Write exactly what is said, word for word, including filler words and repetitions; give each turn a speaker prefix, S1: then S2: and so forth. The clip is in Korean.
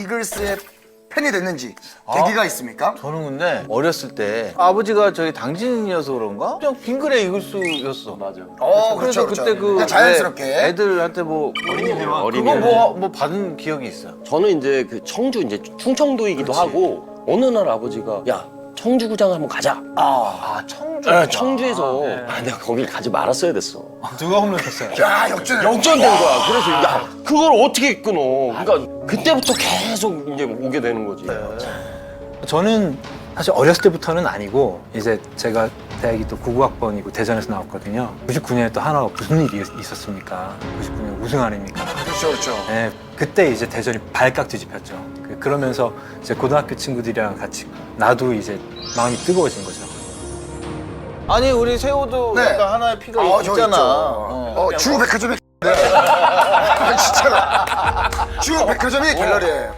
S1: 이글스의 팬이 됐는지 계기가 있습니까?
S2: 저는 근데 어렸을 때 아버지가 저희 당진이어서 그런가? 그냥 빙그레 이글스였어. 맞아.
S1: 어,
S2: 그래서
S1: 그렇죠, 그렇죠.
S2: 그때 그
S1: 그냥 자연스럽게.
S2: 네, 애들한테 뭐 어린이 대왕
S3: 어린이
S2: 그거
S3: 대왕.
S2: 뭐, 뭐 받은 기억이 있어요.
S3: 저는 이제 그 청주 이제 충청도이기도 하고 어느 날 아버지가 야 청주구장 한번 가자.
S2: 아 청주.
S3: 아, 청주에서 아, 내가 거길 가지 말았어야 됐어.
S2: 누가 홈런 쳤어요?
S1: 야, 역전.
S3: 역전된 거야. 그래서 야 그걸 어떻게 끊어? 그러니까 그때부터 계속 이제 오게 되는 거지.
S4: 저는 사실 어렸을 때부터는 아니고 이제 제가 대학이 또 구구학번이고 대전에서 나왔거든요. 구십구 년에 또 하나가 무슨 일이 있었습니까? 구십구 년 우승 아닙니까?
S1: 그렇죠, 그렇죠.
S4: 네, 그때 이제 대전이 발칵 뒤집혔죠. 그- 그러면서 이제 고등학교 친구들이랑 같이 나도 이제 마음이 뜨거워진 거죠.
S2: 아니 우리 세호도
S1: 네.
S2: 약간 하나의 피가
S1: 어, 저
S2: 있잖아.
S1: 있죠.
S2: 어.
S1: 어, 주백화점이 아, 진짜로. 주백화점이 갤러리예요.